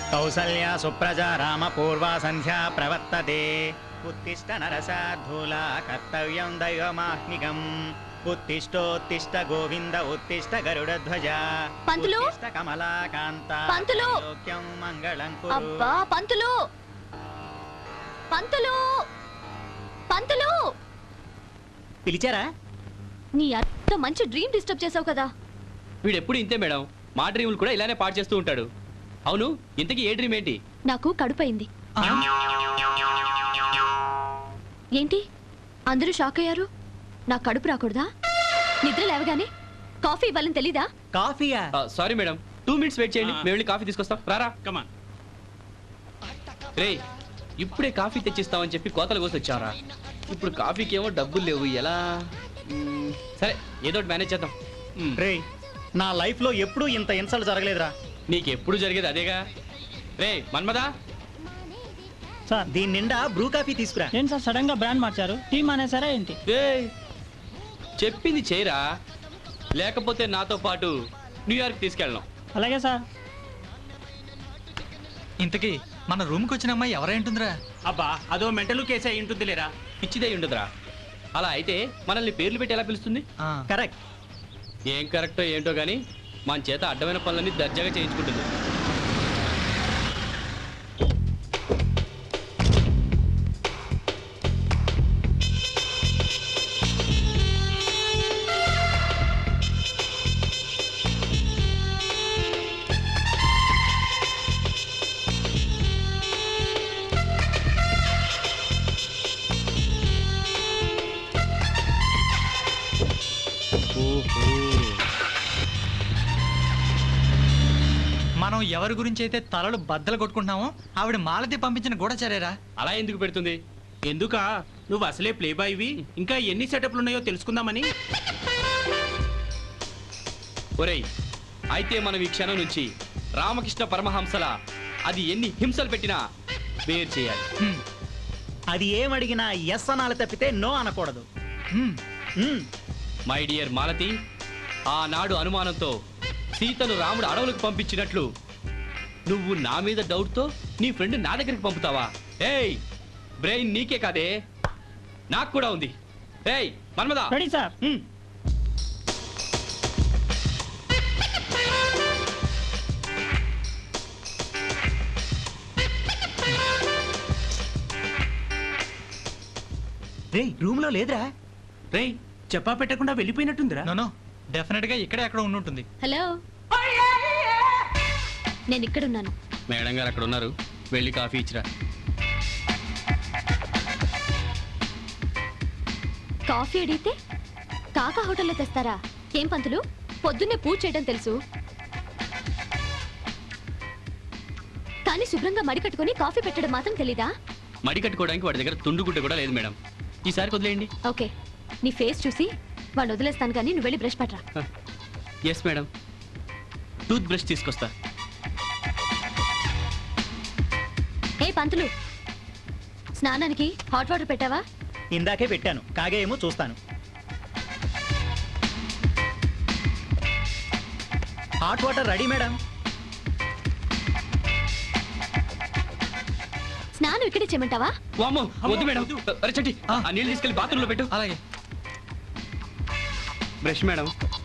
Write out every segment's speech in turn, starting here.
కౌసల్యా సుప్రజా రామ పూర్వా సంధ్యా ప్రవర్తతే ఉత్తిష్ట నరసాధూలా కర్తవ్యం దైవమాహ్నికం ఉత్తిష్టోత్తిష్ట గోవింద ఉత్తిష్ట గరుడధ్వజ పంతులు ఉత్తిష్ట కమలాకాంత పంతులు లోక్యం మంగళం కురు. అబ్బా పంతులు పంతులు పంతులు పిలిచారా? నీ అత్త మంచి డ్రీమ్ డిస్టర్బ్ చేసావు కదా. వీడెప్పుడు ఇంతే మేడం, మా డ్రీములు కూడా ఇలానే పాడు చేస్తూ ఉంటాడు. అవును, ఇంతకీ ఏ డ్రీమ్ ఏంటి? నాకు కడుపైంది. ఏంటి అందరూ షాక్ అయ్యారు? నా కడుపు రాకూడదా? నిద్ర లేవగానే కాఫీ ఇవ్వాలని తెలీదా? కాఫీయా? సారీ మేడం, 2 minutes వెయిట్ చేయండి, మేము వెళ్ళి కాఫీ తీసుకొస్తాం. రారా కమాన్. రే, ఇప్పుడే కాఫీ తెచ్చిస్తామని చెప్పి కోతలు కోసి వచ్చారా? ఇప్పుడు కాఫీకి ఏమో డబ్బులు లేవు, ఎలా? సరే, ఏదో ఒకటి మేనేజ్ చేద్దాం. రే, నా లైఫ్ లో ఎప్పుడూ ఇంత ఇన్సల్ట్ జరగలేదురా. నీకెప్పుడు జరిగేది అదేగా. రే మన్మదా, సార్ దీని నిండా బ్రూ కాఫీ తీసుకురా. ఏంటి సార్ సడన్ గా బ్రాండ్ మార్చారు? టీ మానేసారా ఏంటి? రే చెప్పింది చేయరా, లేకపోతే నాతో పాటు న్యూయార్క్ తీసుకెళ్ళను. అలాగే సార్. ఇంతకీ మన రూమ్కి వచ్చిన అమ్మాయి ఎవరైంటుందిరా? అబ్బా అదో మెంటల్ కేసు అయి ఉంటుంది లేరా. పిచ్చిదై ఉండదురా. అలా అయితే మనల్ని పేర్లు పెట్టి ఎలా పిలుస్తుంది? కరెక్ట్. ఏం కరెక్టో ఏంటో గానీ మన చేత అడ్డమైన పనులన్నీ దర్జాగా చేయించుకుంటుంది. మనం ఎవరి గురించి అయితే తలలు బద్దలు కొట్టుకుంటున్నామో ఆవిడ మాలతి పంపించిన గూఢచారేరా. అలా ఎందుకు పెడుతుంది? ఎందుకా, నువ్వు అసలే ప్లే బాయ్వి, ఇంకా ఎన్ని సెటప్లు ఉన్నాయో తెలుసుకుందామని. ఒరేయ్, అయితే మనం ఈ క్షణం నుంచి రామకృష్ణ పరమహంసల అది ఎన్ని హింసలు పెట్టినా వేరు చేయాలి. అది ఏమడిగినా ఎస్ అనాలి తప్పితే నో అనకూడదు. మై డియర్ మాలతి, ఆనాడు అనుమానంతో సీతను రాముడు అడవులకు పంపించినట్లు నువ్వు నా మీద డౌట్తో నీ ఫ్రెండ్ నా దగ్గరికి పంపుతావా? ఏయ్, బ్రెయిన్ నీకే కాదే, నాకు కూడా ఉంది. ఏయ్ మన్మదా, రెడీ సార్. రే, రూమ్ లో లేదురా. రేయ్, చెప్పా పెట్టకుండా వెళ్ళిపోయినట్టుందిరా. నో డెఫినెట్ గా ఇక్కడే అక్కడ ఉండుంటుంది. హలో, నేను ఇక్కడున్నాను. మేడం గారు అక్కడ ఉన్నారు, వెళ్ళి కాఫీ ఇచ్చిరా. కాఫీ అడిగితే కాకా హోటల్లో తెస్తారా? ఏం పంతులు, పొద్దున్నే పూజ చేయడం తెలుసు కానీ శుభ్రంగా మడి కట్టుకుని కాఫీ పెట్టడం మాత్రం తెలీదా? మడి కట్టుకోవడానికి వాడి దగ్గర తుండుగుడ్డ కూడా లేదు మేడం. ఈసారి వదిలేయండి. ఓకే, నీ ఫేస్ చూసి వాడిని వదిలేస్తాను కానీ నువ్వు వెళ్ళి బ్రష్ పట్టరా. ఎస్ మేడం, టూత్ బ్రష్ తీసుకొస్తా. ఏ పంతులు, స్నానానికి హాట్ వాటర్ పెట్టావా? ఇందాకే పెట్టాను, కాగేమో చూస్తాను. Hot water ready madam. స్నానం ఇక్కడే చేయమంటావా? వామ్మో, వద్దు మేడం. అరే చట్టి, ఆ నీళ్ళు తీసుకెళ్ళి బాత్రూంలో పెట్టు. అలాగే. Brush madam.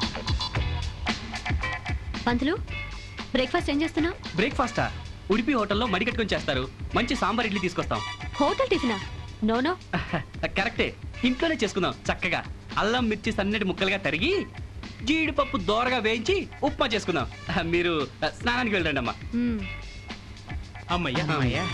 పంతులు, బ్రేక్ఫాస్ట్ ఏం చేస్తున్నావు? బ్రేక్ఫాస్టా? ఉడిపి హోటల్లో మడి కట్టుకొని చేస్తారు, మంచి సాంబార్ ఇడ్లీ తీసుకొస్తాం. హోటల్ టిఫినా? నో. కరెక్టే, ఇంట్లోనే చేసుకుందాం చక్కగా. అల్లం మిర్చి సన్నటి ముక్కలుగా తరిగి జీడిపప్పు దోరగా వేయించి ఉప్మా చేసుకుందాం. మీరు స్నానానికి వెళ్ళండి అమ్మా. అమ్మయ్యా అమ్మయ్యా.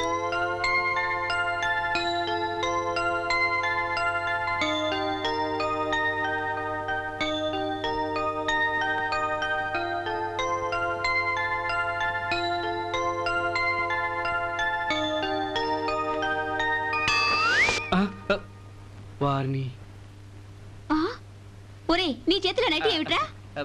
వారిని ఒరే, నీ చేతిలో నైటీ ఏమిట్రా?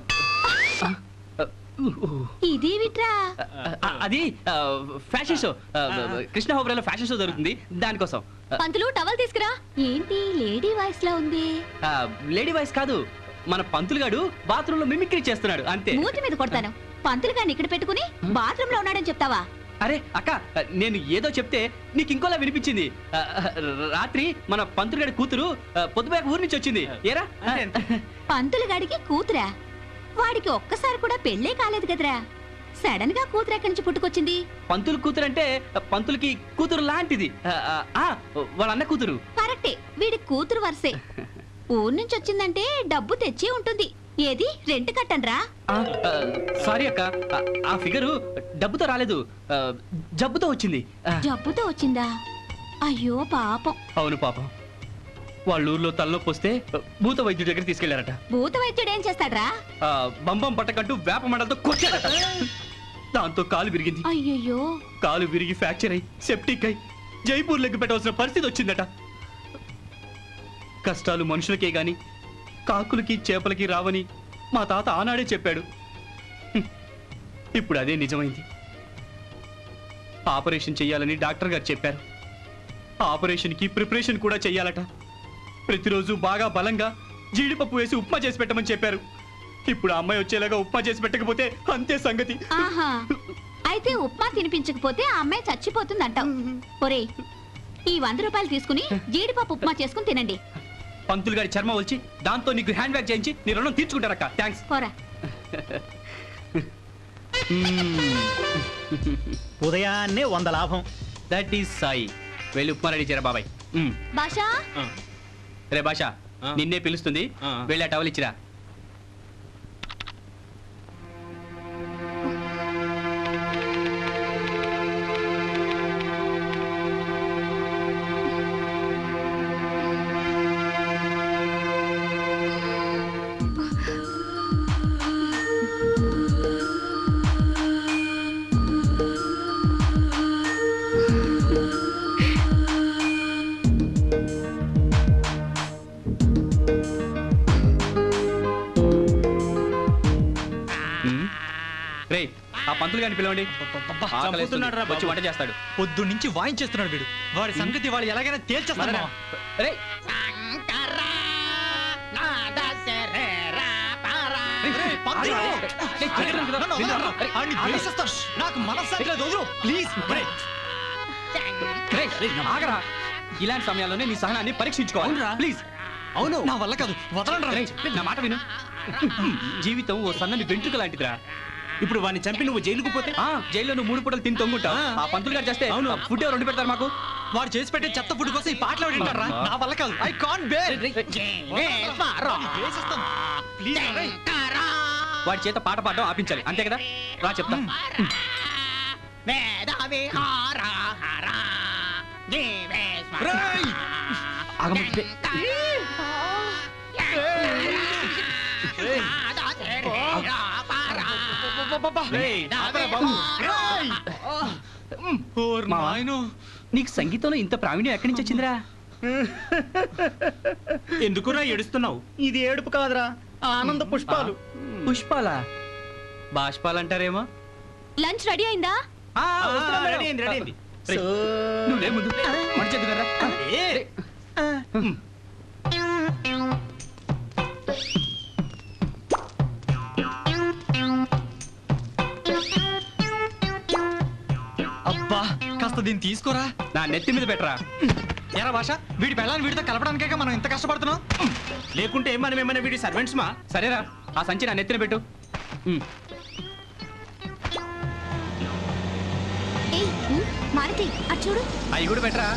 ఇదేమిట్రా? అది ఫ్యాషన్ షో, కృష్ణ హోబ్రాలో ఫ్యాషన్ షో జరుగుతుంది, దానికోసం. పంతులు, టవల్ తీసుకురా. ఏంటి లేడీ వాయిస్ లా ఉంది? లేడీ వాయిస్ కాదు, మన పంతులు గాడు బాత్రూమ్ లో మిమిక్రీ చేస్తున్నాడు అంతే. మూతి మీద కొడతాను. పంతులు గారిని ఇక్కడ పెట్టుకుని బాత్రూమ్ లో ఉన్నాడని చెప్తావా? అరే అక్క, నేను ఏదో చెప్తే నీకు ఇంకోలా వినిపించింది. రాత్రి మన పంతులుగాడి కూతురు పొద్దుపోయాక ఊరి నుంచి వచ్చింది. ఏరా? పంతులు గాడికి కూతురా? వాడికి ఒక్కసారి కూడా పెళ్ళే కాలేదు కదరా, సడన్ గా కూతురు ఎక్కడి నుంచి పుట్టుకొచ్చింది? పంతులు కూతురు అంటే పంతులకి కూతురు లాంటిది. వాళ్ళ అన్న కూతురు. కరెక్టే, వీడి కూతురు వరుసే. ఊరు నుంచి వచ్చిందంటే డబ్బు తెచ్చి ఉంటుంది. ఏది రెంట్ కట్టనరా? సారీ అక్క, ఆ ఫిగరు డబ్బుతో రాలేదు, జబ్బుతో వచ్చింది. జబ్బుతో వచ్చిందా? అయ్యో పాపం. అవును పాపం. వాళ్ళ ఊర్లో తలనొప్పి వస్తే భూత వైద్యుడి దగ్గర తీసుకెళ్లారట. భూత వైద్యుడు ఏం చేస్తాడ్రా? బంబం పట్టకంటూ వేప మండలతో కొట్టారట. దాంతో కాలు విరిగింది. అయ్యయ్యో. కాలు విరిగి ఫ్రాక్చర్ అయి సెప్టిక్ అయి జైపూర్ లెగ్గు పెట్టవలసిన పరిస్థితి వచ్చిందట. కష్టాలు మనుషులకే గాని కాకులకి చేపలకి రావని మా తాత ఆనాడే చెప్పాడు. ఇప్పుడు అదే నిజమైంది. ఆపరేషన్ చెయ్యాలని డాక్టర్ గారు చెప్పారు. ఆపరేషన్కి ప్రిపరేషన్ కూడా చెయ్యాలట. ప్రతిరోజు బాగా బలంగా జీడిపప్పు వేసి ఉప్మా చేసి పెట్టమని చెప్పారు. ఇప్పుడు ఆ అమ్మాయి వచ్చేలాగా ఉప్మా చేసి పెట్టకపోతే అంతే సంగతి. ఆహా, అయితే ఉప్మా తినిపించకపోతే ఆ అమ్మాయి చచ్చిపోతుందంటావు. ఒరే, ఈ 100 రూపాయలు తీసుకుని జీడిపప్పు ఉప్మా చేసుకుని తినండి. పంతులు గారి చర్మ వచ్చి దాంతో నీకు హ్యాండ్ బ్యాగ్ చేయించి నీ రుణం తీర్చుకుంటారక్క. థ్యాంక్స్. పోరా. ఉదయాన్నే 100 లాభం. That is Sai. వెళ్ళి ఉప్మా రెడీ చేయరా బాబాయ్. భాషా, రే భాష, నిన్నే పిలుస్తుంది. వెళ్ళి ఆ టవల్ ఇచ్చిరా. రే, ఆ పంతులు గారిని పిలవండి. చంపుతున్నాడు రా బాబు. వచ్చి వంట చేస్తాడు. పొద్దు నుంచి వాయించేస్తున్నాడు వీడు. వాడి సంగతి వాళ్ళు ఎలాగైనా తేల్చేస్తాడు మావా. రే, నాకు మనస్సాక్షి లేదు, వదులు ప్లీజ్. ఆగరా. ఇలాంటి సమయాల్లోనే నీ సహనాన్ని పరీక్షించుకోవాలి. ప్లీజ్. అవును, నా వల్ల కాదు, వదలండి. రేయ్, నా మాట విను. జీవితం ఓ సన్నని వెంట్రుక లాంటిదిరా. ఇప్పుడు వాడిని చంపి నువ్వు జైలుకు పోతే జైల్లో నువ్వు 3 పూటలు తిని తొంగుంటావు. ఆ పంతులు గారు చేస్తే అవును ఫుడ్ ఎవరు వండి పెడతారు మాకు? వాడు చేసి పెట్టే చెత్త ఫుడ్ కోసం ఈ పాటలు వింటారా? నా వల్ల కాదు, ఐ కాంట్ బేర్. వాడి చేత పాట పాడడం ఆపించాలి, అంతే కదా? రా చెప్తా. ఆగమంటే. నీకు సంగీతంలో ఇంత ప్రావీణ్యం ఎక్కడి నుంచి వచ్చిందిరా? ఎందుకురా ఏడుస్తున్నావు? ఇది ఏడుపు కాదురా, ఆనంద పుష్పాలు. పుష్పాలా? బాష్పాలంటారేమో. లంచ్ రెడీ అయిందా? రెడీ అయింది, రెడీ అయింది. నువ్వు లే ముందు. మంచిది కదా. అబ్బా, కాస్త దీన్ని తీసుకోరా. నా నెత్తి మీద పెట్టరా. ఎరా భాష, వీడి పెళ్ళాన్ని వీడితో కలపడానికే మనం ఇంత కష్టపడుతున్నాం. లేకుంటే మనం ఏమైనా వీడి సర్వెంట్స్ మా? సరేరా, ఆ సంచి నా నెత్తిన పెట్టు. ఏయ్, మారుతి, అటు చూడు. అవి కూడా పెట్టరా.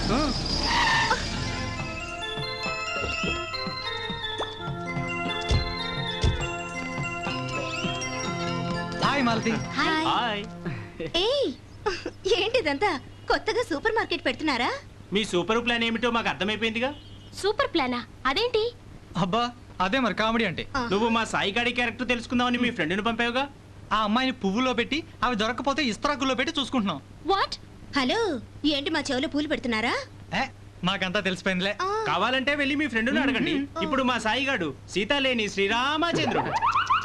హాయ్ మాలతి. హాయ్. హాయ్. ఏయ్, ఏంటిదంతా కొత్తగా సూపర్ మార్కెట్ పెడుతున్నారా? మీ సూపర్ ప్లాన్ ఏమిటో మాకు అర్థమైపోయిందిగా. సూపర్ ప్లానా? అదేంటి? అబ్బా, అదే మరి కామెడీ అంటే. నువ్వు మా సాయి గాడి క్యారెక్టర్ తెలుసుకుందామని మీ ఫ్రెండ్ని పంపావుగా. ఆ అమ్మాయిని పువ్వులో పెట్టి అవి దొరకపోతే ఇస్త్రాకుల్లో పెట్టి చూసుకుంటున్నాం. వాట్? హలో, ఏంటి మా చెవులో పూలు పెడుతున్నారా? మాకంతా తెలిసిపోయిందిలే. కావాలంటే వెళ్ళి మీ ఫ్రెండ్ని అడగండి. ఇప్పుడు మా సాయి గాడు సీత లేని శ్రీరామచంద్రుడు.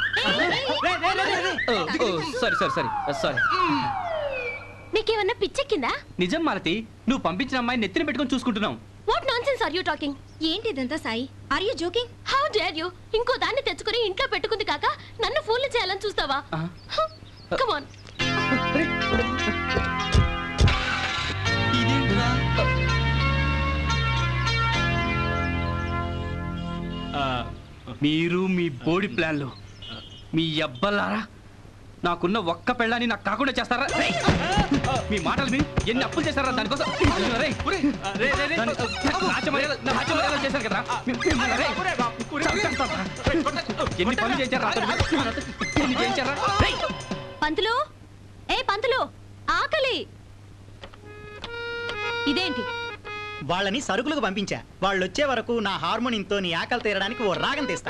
సారీ. నీకేమన్నా పిచ్చెక్కిందా? నిజం మాలతి, నువ్వు పంపించిన అమ్మాయి నెత్తిన పెట్టుకొని చూసుకుంటున్నాం. What nonsense are you talking? ఏంటిదంతా Sai? Are you joking? How dare you? ఇంకో దాన్ని తెచ్చుకొని ఇంట్లో పెట్టుకుంది కాక నన్ను ఫూల్ చేయాలని చూస్తావా? Come on. మీరు మీ బోడి ప్లాన్లు మీ అబ్బలారా నాకున్న ఒక్క పెళ్ళాన్ని నాకు కాకుండా చేస్తారా రేయ్! మీ మాటలు విని ఎన్ని అప్పులు చేస్తారా దానికోసం రేయ్, నా మర్యాద చేశారు కదా రేయ్! చంపేస్తారా? ఎన్ని పనులు చేశారా ఎన్ని చేశారా రేయ్! పంతులు ఏ పంతులు ఆకలి ఇదేంటి వాళ్ళని సరుకులకు పంపించా వాళ్ళు వచ్చే వరకు నా హార్మోనియంతో నీ ఆకలి తీరడానికి ఓ రాగం తీస్తా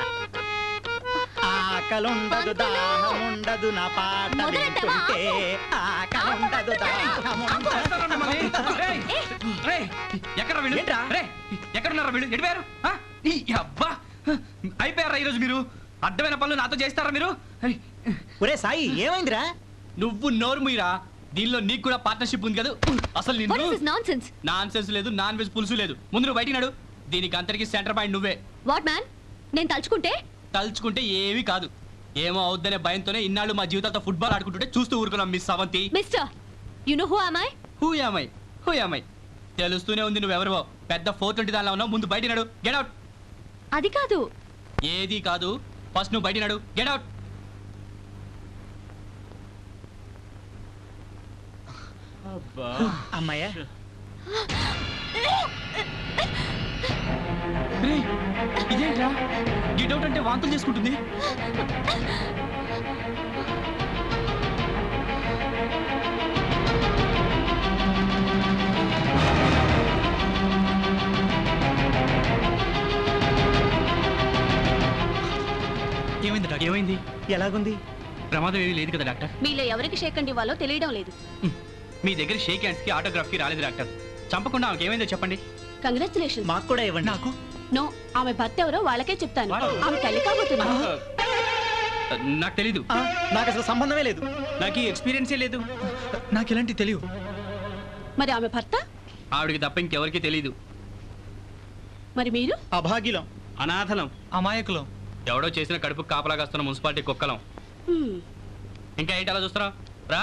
ఆకలుండదు దాహముండదు నా పాట మొదలెట్టావా? వింటుంటే ఆకలుండదు దాహముండదు. రేయ్! రేయ్! ఎక్కడ వీళ్ళు ఏంట్రా? రేయ్! ఎక్కడున్నారా వీళ్ళు ఎడిపోయారు ఈ అబ్బా అయిపోయారా ఈరోజు మీరు అడ్డమైన పనులు నాతో చేస్తారా మీరు ఒరే సాయి ఏమైందిరా నువ్వు నోరు మీరా దీనిలో నీకు కూడా పార్ట్నర్షిప్ ఉంది కదా అసలు వాట్ నిన్ను is this nonsense nonsense లేదు నాన్ వెజ్ పులుసు లేదు ముందు నువ్వు బయటికి నడు దీనికి అంతరికి సెంటర్ పాయింట్ నువ్వే వాట్ మ్యాన్ నేను తలుచుకుంటే తలుచుకుంటే ఏమీ కాదు ఏమో అవుద్దనే భయంతోనే ఇన్నాళ్ళు మా జీవితాలతో ఫుట్బాల్ ఆడుకుంటుంటే చూస్తూ ఊరుకున్నాం miss Avanthi mister you know who am I who am I తెలుస్తూనే ఉంది నువ్వెవరివో పెద్ద 420 దానిలో ఉన్నావు ముందు బయటికి నడు గెట్ అవుట్ అది కాదు ఏది కాదు ఫస్ట్ నువ్వు బయటికి నడు గెట్ అవుట్ అమ్మాయ్యా ఇదేంట్రా గెట్ అవుట్ అంటే వాంతులు చేసుకుంటుంది ఏమైంది డాక్టర్? ఏమైంది ఎలాగుంది ప్రమాదం ఏమీ లేదు కదా డాక్టర్ మీలో ఎవరికి షేక్ అండ్ ఇవ్వాలో తెలియడం లేదు మీ దగ్గర షేక్ హ్యాండ్స్ కి ఆటోగ్రాఫ్ కి రాలేదు డాక్టర్ చంపకుండా ఆమెకి ఏమైందో చెప్పండి కంగ్రాచులేషన్ మాకు కూడా ఇవ్వండి నాకు నో ఆమె భర్త ఎవరో వాళ్ళకే చెప్తాను What? ఆమె తల్లి కాబోతుంది నాకు తెలీదు నాకు అసలు సంబంధమే లేదు నాకు ఈ ఎక్స్పీరియన్సే లేదు. నాకు ఇలాంటి తెలియదు. మరి ఆమె భర్త ఆవిడకి తప్ప ఇంకెవరికి తెలీదు మరి మీరు అభాగ్యులం అనాథలం. అమాయకులం. ఎవడో చేసిన కడుపు కాపలాగాస్తున్న మున్సిపాలిటీ కుక్కలం హ్మ్. ఇంకా ఏంటి అలా చూస్తున్నావు రా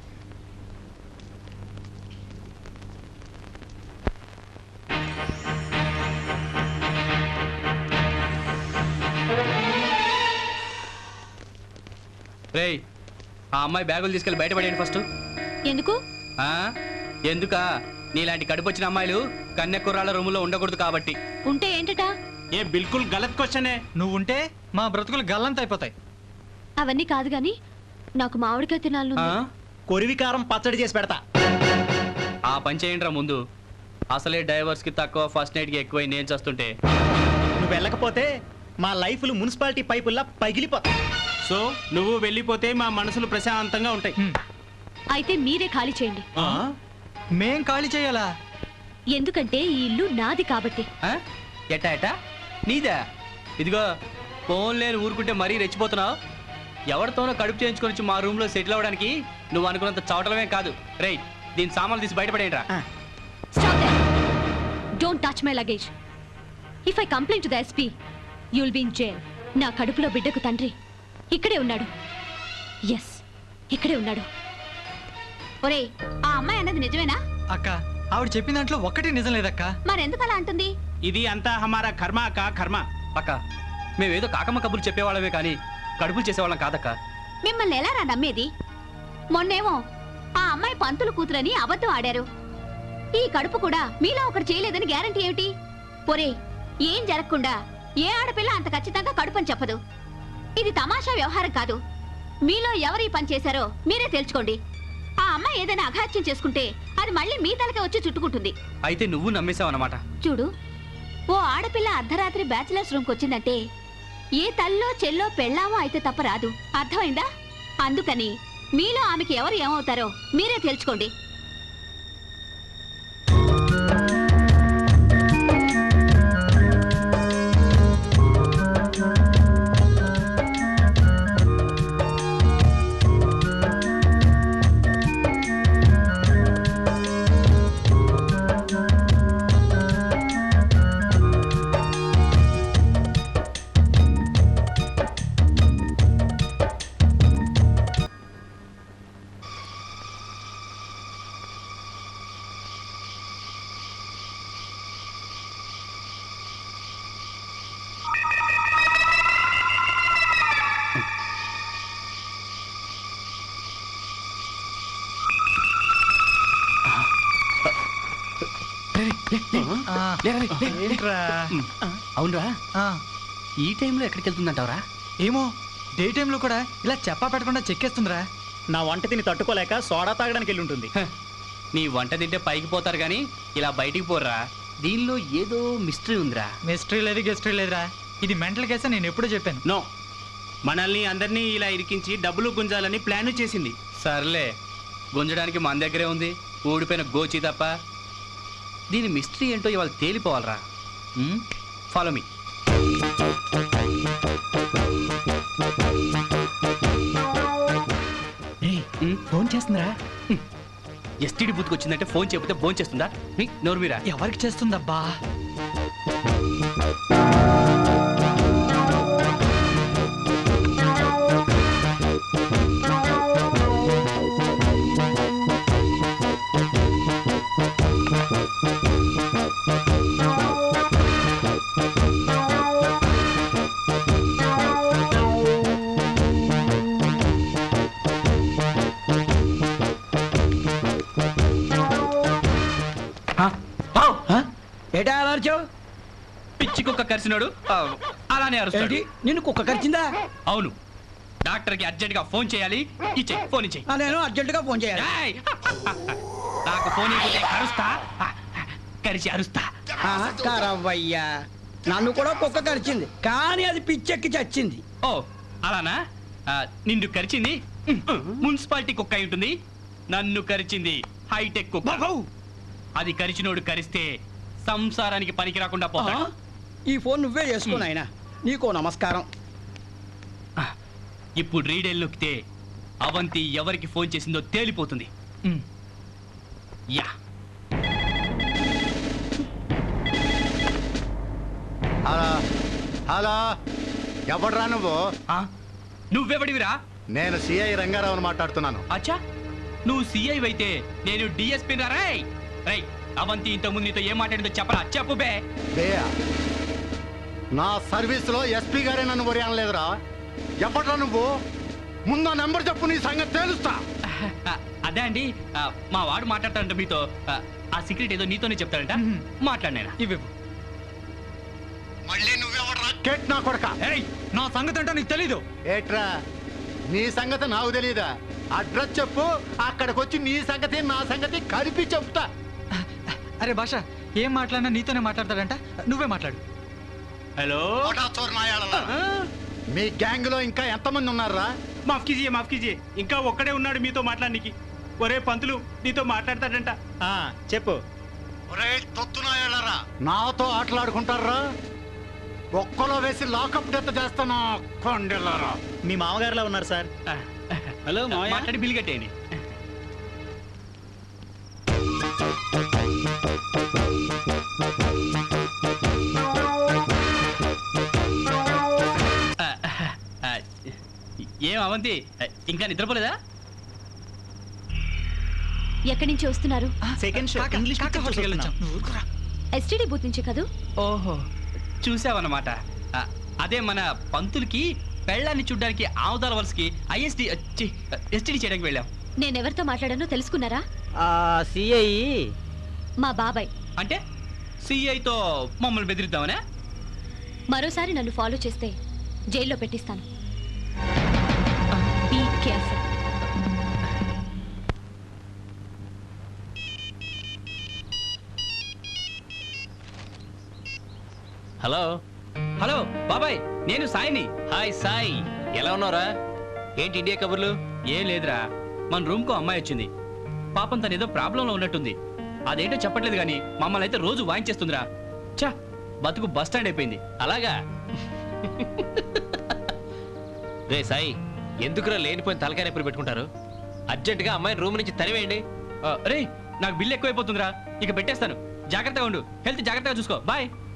రేయ్ ఆ అమ్మాయి బ్యాగులు తీసుకెళ్ళి బయటపడేయండి ఫస్ట్ ఎందుకు ఎందుకా నీలాంటి కడుపు వచ్చిన అమ్మాయిలు కన్య కుర్రాళ్ళ రూములో ఉండకూడదు కాబట్టి ఉంటే ఏంటట ఏ బిల్కుల్ గలత్ క్వశ్చనే. నువ్వు ఉంటే మా బ్రతుకులు గల్లంత అయిపోతాయి. అవన్నీ కాదు గాని నాకు మామిడికాయ తినాలను ఆ? కొరివికారం పచ్చడి చేసి పెడతా ఆ పని చేయండిరా ముందు అసలే డైవర్స్ కి తక్కువ ఫస్ట్ నైట్ కి ఎక్కువ నేను చేస్తుంటే నువ్వు వెళ్ళకపోతే మా లైఫ్లు మున్సిపాలిటీ పైపుల్లా పగిలిపోతా సో నువ్వు వెళ్ళిపోతే మా మనసులు ప్రశాంతంగా ఉంటాయి. అయితే మీరే ఖాళీ చేయండి మేం ఖాళీ చేయాలా? ఎందుకంటే ఈ ఇల్లు నాది కాబట్టి ఎట్టా ఎట్టా నీదా ఇదిగో ఫోన్ లేని ఊరుకుంటే మరీ రెచ్చిపోతున్నావు ఎవరితోనో కడుపు చేయించుకొని వచ్చి మా రూమ్ లో సెటిల్ అవ్వడానికి నువ్వు అనుకున్నంత చవటమే కాదు రేయ్ దీని సామాన్లు తీసి బయటపడేయండిరా stop that don't touch my luggage if I complaint to the SP you will be in jail నా కడుపులో బిడ్డకు తండ్రి ఇక్కడే ఉన్నాడు ఎస్ ఇక్కడే ఉన్నాడు ఒరేయ్ ఆ అమ్మాయి అన్నది నిజమేనా అక్క ఆవిడ చెప్పిన దాంట్లో ఒక్కటి నిజం లేదక్క. మరెందుకు అలా అంటుంది ఇది అంతా హమారా కర్మ కా కర్మ. అక్క మేమేదో కాకమ్మ కబుర్లు చెప్పేవాళ్ళమే కానీ కడుపులు చేసేవాళ్ళం కాదక్క మిమ్మల్ని ఎలా రా నమ్మేది మొన్నేమో ఆ అమ్మాయి పంతులు కూతురని అబద్ధం ఆడారు ఈ కడుపు కూడా మీలో ఒకటి చేయలేదని గ్యారంటీ ఏమిటి ఒరేయ్ ఏం జరగకుండా ఏ ఆడపిల్ల అంత ఖచ్చితంగా కడుపని చెప్పదు ఇది తమాషా వ్యవహారం కాదు మీలో ఎవరు ఈ పని చేశారో మీరే తెలుసుకోండి ఆ అమ్మాయి ఏదైనా అఘాత్యం చేసుకుంటే అది మళ్ళీ మీ తలకే వచ్చి చుట్టుకుంటుంది అయితే నువ్వు నమ్మేశావు అన్నమాట చూడు ఓ ఆడపిల్ల అర్ధరాత్రి బ్యాచిలర్స్ రూమ్కి వచ్చిందంటే ఏ తల్లో చెల్లో పెళ్ళామో అయితే తప్ప రాదు అర్థమైందా అందుకని మీలో ఆమెకి ఎవరు ఏమవుతారో మీరే తెలుసుకోండి ఆ, ఏంట్రా అవునరా ఆ, ఈ టైంలో ఎక్కడికి వెళ్తుందంటావరా? ఏమో డే టైంలో కూడా ఇలా చెప్పా పెట్టకుండా చెక్కేస్తుందిరా. నా వంట తిని తట్టుకోలేక సోడా తాగడానికి వెళ్ళి ఉంటుంది. నీ వంట తింటే పైకి పోతారు గాని ఇలా బయటికి పోర్రా. దీనిలో ఏదో మిస్టరీ ఉందిరా. మిస్టరీ లేదు గెస్టరీ లేదురా. ఇది మెంటల్ కేసే, నేను ఎప్పుడూ చెప్పాను. నో, మనల్ని అందరినీ ఇలా ఇరికించి డబ్బులు గుంజాలని ప్లాన్ చేసింది. సర్లే, గుంజడానికి మన దగ్గరే ఉంది ఊడిపోయిన గోచి తప్ప. దీని మిస్టరీ ఏంటో ఇవాళ తేలిపోవాలరా. Follow me. ఫోన్ చేస్తుందిరా. ఎస్టీడీ బూత్కి వచ్చిందంటే ఫోన్ చేయకపోతే ఫోన్ చేస్తుందా? నోరు మీరా. ఎవరికి చేస్తుందబ్బా? ఏటా అలా అరిచావు? పిచ్చి కుక్క కరిసినాడు అలానే అరుస్తాడు. ఏంటి, నిన్ను కుక్క కరిచిందా? అవును, డాక్టర్కి అర్జెంట్ గా ఫోన్ చేయాలి. ఇచ్చేయి, ఫోన్ ఇచ్చేయి. నేను అర్జెంటుగా ఫోన్ చేయాలి. ఏయ్! నాకు ఫోన్ ఇవ్వకపోతే కరుస్తా, కరిచి అరుస్తా. కరవయ్యా, నన్ను కూడా కుక్క కరిచింది, కానీ అది పిచ్చెక్కి చచ్చింది. ఓ అలానా? నిన్ను కరిచింది మున్సిపాలిటీ కుక్క అయి ఉంటుంది. నన్ను కరిచింది హైటెక్ కుక్క. అది కరిచినోడు కరిస్తే సంసారానికి పనికి రాకుండా పోతాడు. ఈ ఫోన్ నువ్వే చేసుకో నాయనా, నీకో నమస్కారం. ఇప్పుడు రీడెల్ నొక్కితే అవంతి ఎవరికి ఫోన్ చేసిందో తేలిపోతుంది. యా. హలో హలో, ఎవడ్రా నువ్వు? నువ్వెవడివిరా? నేను సిఐ రంగారావుని మాట్లాడుతున్నాను. అచ్చా, నువ్వు సిఐ అయితే నేను డిఎస్పీ రై. అవంతి ఇంతకుముందు నీతో ఏం మాట్లాడిందో చెప్పరా? చెప్పు బే. బేయా, నా సర్వీసులో ఎస్పీ గారే నన్ను వరి అనలేదురా. ఎవడ్రా నువ్వు? ముందు నెంబర్ చెప్పు, నీ సంగతి తెలుస్తా. అదే అండి, మా వాడు మాట్లాడతాడంట మీతో. ఆ సీక్రెట్ ఏదో నీతోనే చెప్తాడంట. మాట్లాడినా ఇవి మళ్ళీ నువ్వెవడ్రా? కేట్ నా కొడక. నా సంగతి అంటే నీకు తెలీదు. ఏట్రా, నీ సంగతి నాకు తెలియదా? అడ్రస్ చెప్పు, అక్కడికి వచ్చి నీ సంగతి నా సంగతి కలిపి చెప్తా. అరే భాష, ఏం మాట్లాడినా నీతోనే మాట్లాడతాడంట, నువ్వే మాట్లాడు. హలో, మీ గ్యాంగ్ లో ఇంకా ఎంతమంది ఉన్నారా? మాఫ్ కీజియే, ఇంకా ఒక్కడే ఉన్నాడు మీతో మాట్లాడడానికి. ఒరే పంతులు, నీతో మాట్లాడతాడంట. చెప్పు. నాతో ఆటలాడుకుంటారా? ఒక్కలో వేసి లాకప్ డెత్ చేస్తానా కొండెళ్ళారా? మీ మామగారులా ఉన్నారు సార్. హలో, మాట్లాడి బిల్ కట్టేయండి. ఏం అవంతి, ఇంకా నిద్రపోలేదా? ఎక్కడి నుంచి వస్తున్నారు? సెకండ్ షో ఇంగ్లీష్ పిక్చర్ చూస్తున్నాం. ఎస్టీడీ బూత్ నుంచి కదూ? ఓహో, చూసావన్నమాట. అదే మన పంతులకి పెళ్ళాన్ని చూడ్డానికి ఆవుదాల వలసకి ఎస్టీడీ చేయడానికి వెళ్ళాం. నేనెవరితో మాట్లాడానో తెలుసుకున్నారా? సిఐ మా బాబాయ్. అంటే సిఐతో మమ్మల్ని బెదిరిద్దామనే? మరోసారి నన్ను ఫాలో చేస్తే జైల్లో పెట్టిస్తాను. Be careful. హలో హలో బాబాయ్, నేను సాయిని. హాయ్ సాయి, ఎలా ఉన్నావురా? ఏంటి ఇండియా కబుర్లు? ఏం లేదురా, మన రూమ్ కో అమ్మాయి వచ్చింది. పాపం తను ఏదో ప్రాబ్లంలో ఉన్నట్టుంది. అదేంటో చెప్పట్లేదు కానీ మమ్మల్ని అయితే రోజు వాయించేస్తుందిరా. చా, బతుకు బస్ స్టాండ్ అయిపోయింది. అలాగా? రే సాయి, ఎందుకురా లేనిపోయిన తలకాయ నొప్పులు పెట్టుకుంటారు? అర్జెంటుగా అమ్మాయిని రూమ్ నుంచి తరివేయండి. రే, నాకు బిల్లు ఎక్కువైపోతుందిరా, ఇక పెట్టేస్తాను. జాగ్రత్తగా ఉండు, హెల్త్ జాగ్రత్తగా చూసుకో. బాయ్.